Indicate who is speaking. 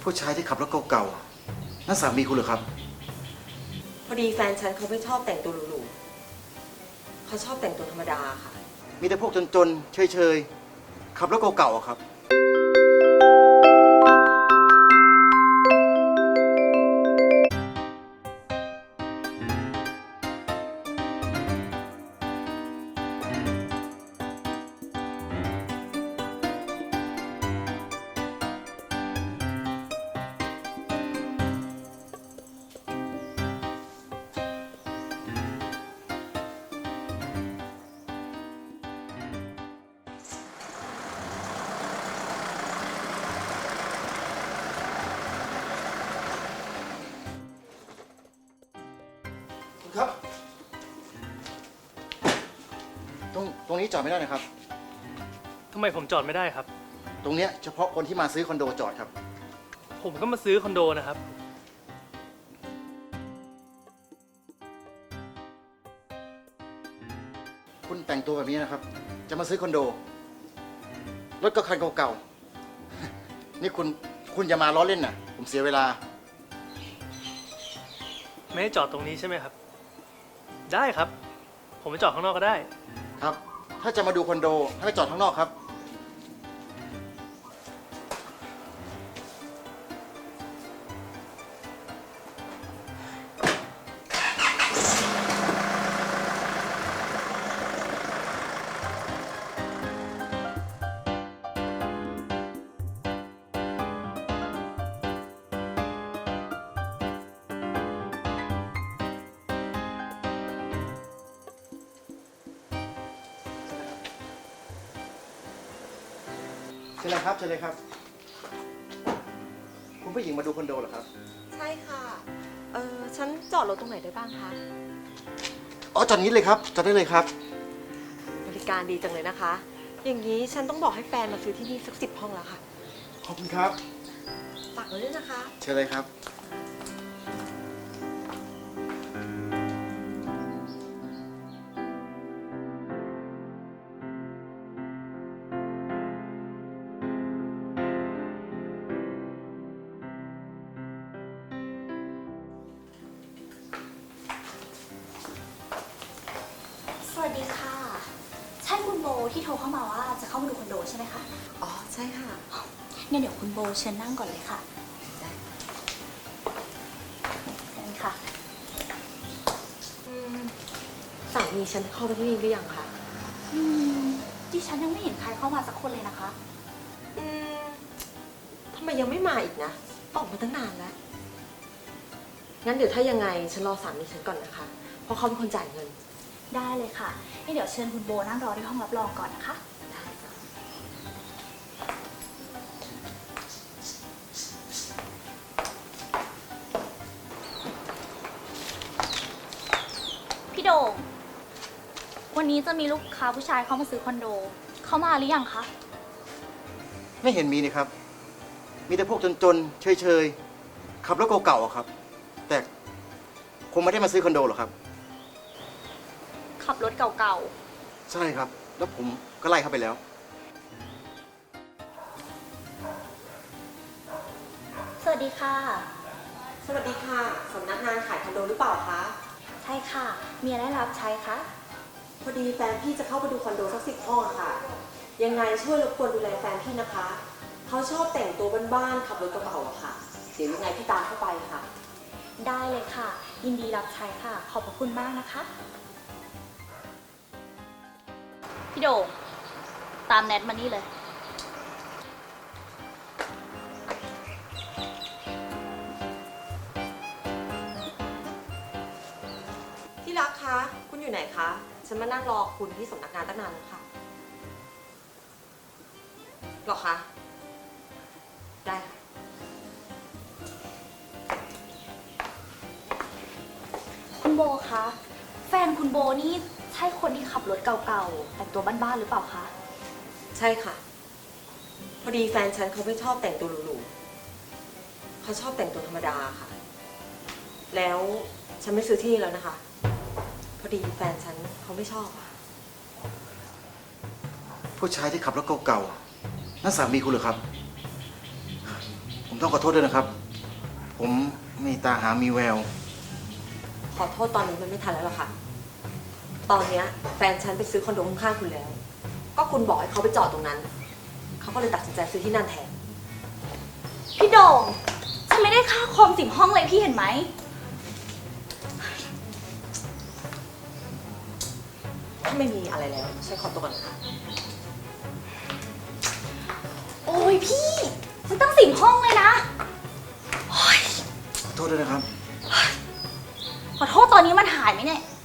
Speaker 1: ผู้ชายที่ขับรถเก่าๆนั่นสามีคุณเหรอครับ
Speaker 2: พอดีแฟนฉันเขาไม่ชอบแต่งตัวหรูๆเขาชอบแต่งตัวธรรมดาค่ะ
Speaker 1: มีแต่พวกจนๆเฉยๆขับรถเก่าๆอะครับครับตรงนี้จอดไม่ได้นะครับ
Speaker 3: ทำไมผมจอดไม่ได้ครับ
Speaker 1: ตรงเนี้ยเฉพาะคนที่มาซื้อคอนโดจอดครับ
Speaker 3: ผมก็มาซื้อคอนโดนะครับ
Speaker 1: คุณแต่งตัวแบบนี้นะครับ จะมาซื้อคอนโดรถก็คันเก่าๆนี่คุณอย่ามาล้อเล่นนะผมเสียเวลา
Speaker 3: ไม่ให้จอดตรงนี้ใช่ไหมครับ ได้ครับ ผมไปจอดข้างนอกก็ได้
Speaker 1: ครับถ้าจะมาดูคอนโดให้ไปจอดข้างนอกครับเชิญเลยครับเชิญเลยครับคุณผู้หญิงมาดูคอนโดเหรอครับ
Speaker 2: ใช่ค่ะฉันจอดรถตรงไหนได้บ้างคะ
Speaker 1: อ๋อจอดนี้เลยครับจอดได้เลยครับ
Speaker 2: บริการดีจังเลยนะคะ อย่างนี้ฉันต้องบอกให้แฟนมาซื้อที่นี่สัก10 ห้องแล้วค่ะ
Speaker 1: ขอบคุณครับ
Speaker 2: ฝากไว้ด้วยนะคะ
Speaker 1: เชิญเลยครับ
Speaker 4: สวัสดีค่ะ ใช่คุณโบที่โทรเข้ามาว่าจะเข้ามาดูคอนโดใช่ไหมคะ
Speaker 2: อ๋อใช่ค่ะ
Speaker 4: งั้นเดี๋ยวคุณโบเชิญนั่งก่อนเลยค่ะ
Speaker 2: ได้
Speaker 4: นี่ค่ะ
Speaker 2: สามีฉันเข้าไปที่นี่หรือยังคะ
Speaker 4: ดิฉันยังไม่เห็นใครเข้ามาสักคนเลยนะคะ
Speaker 2: ทำไมยังไม่มาอีกนะออกมาตั้งนานแล้วงั้นเดี๋ยวถ้ายังไงฉันรอสามีฉันก่อนนะคะเพราะเขาเป็นคนจ่ายเงิน
Speaker 4: ได้เลยค่ะนี่เดี๋ยวเชิญคุณโบนั่งรอที่ห้องรับรองก่อนนะคะ
Speaker 2: ได้ค่ะ
Speaker 4: พี่โด่งวันนี้จะมีลูกค้าผู้ชายเข้ามาซื้อคอนโด เข้ามาหรือยังคะ
Speaker 1: ไม่เห็นมีนี่ครับมีแต่พวกจนๆเฉยๆขับรถเก่าๆอะครับแต่คงไม่ได้มาซื้อคอนโดหรอกครับ
Speaker 4: ขับรถเก่า
Speaker 1: ใช่ครับแล้วผมก็ไล่เข้าไปแล้ว
Speaker 4: ๆ สวัสดีค่ะ
Speaker 2: สวัสดีค่ะสำนักงานขายคอนโดหรือเปล่าคะ
Speaker 4: ใช่ค่ะ มีอะไรรับใช้คะ
Speaker 2: พอดีแฟนพี่จะเข้าไปดูคอนโดสัก10 ห้องค่ะยังไงช่วยรบกวนดูแลแฟนพี่นะคะเขาชอบแต่งตัวบ้านๆขับรถกระบะอะค่ะเดี๋ยวยังไงพี่ตามเข้าไปค่ะ
Speaker 4: ได้เลยค่ะ ยินดีรับใช้ค่ะ ขอบพระคุณมากนะคะพี่โด่งตามแนทมานี่เลย
Speaker 2: ที่รักคะคุณอยู่ไหนคะฉันมานั่งรอคุณที่สำนักงานตั้งนานแล้วค่ะหรอคะได้ค่ะ
Speaker 4: คุณโบคะแฟนคุณโบนี่ใช่คนที่ขับรถเก่าๆแต่งตัวบ้านๆหรือเปล่าคะ
Speaker 2: ใช่ค่ะพอดีแฟนฉันเขาไม่ชอบแต่งตัวหรูๆเขาชอบแต่งตัวธรรมดาค่ะแล้วฉันไม่ซื้อที่แล้วนะคะพอดีแฟนฉันเขาไม่ชอบค่ะ
Speaker 1: ผู้ชายที่ขับรถเก่าๆนั่นสามีคุณเหรอครับผมผมต้องขอโทษด้วยนะครับ ผมมีตาหามีแวว
Speaker 2: ขอโทษตอนนี้มันไม่ทันแล้วหรอกค่ะ ตอนเนี้ยแฟนฉันไปซื้อคอนโดข้างๆคุณแล้ว ก็คุณบอกให้เขาไปจอดตรงนั้น เขาก็เลยตัดสินใจซื้อที่นั่นแทน
Speaker 4: พี่โด่งฉันไม่ได้ค่าคอม10 ห้องเลยพี่เห็นไหม
Speaker 2: ถ้าไม่มีอะไรแล้วฉันขอตัวก่อนนะคะ
Speaker 4: โอ้ยพี่มันตั้ง10 ห้องเลยนะ
Speaker 1: ขอโทษด้วยนะครับ
Speaker 4: ขอโทษตอนนี้มันหายไหมเนี่ย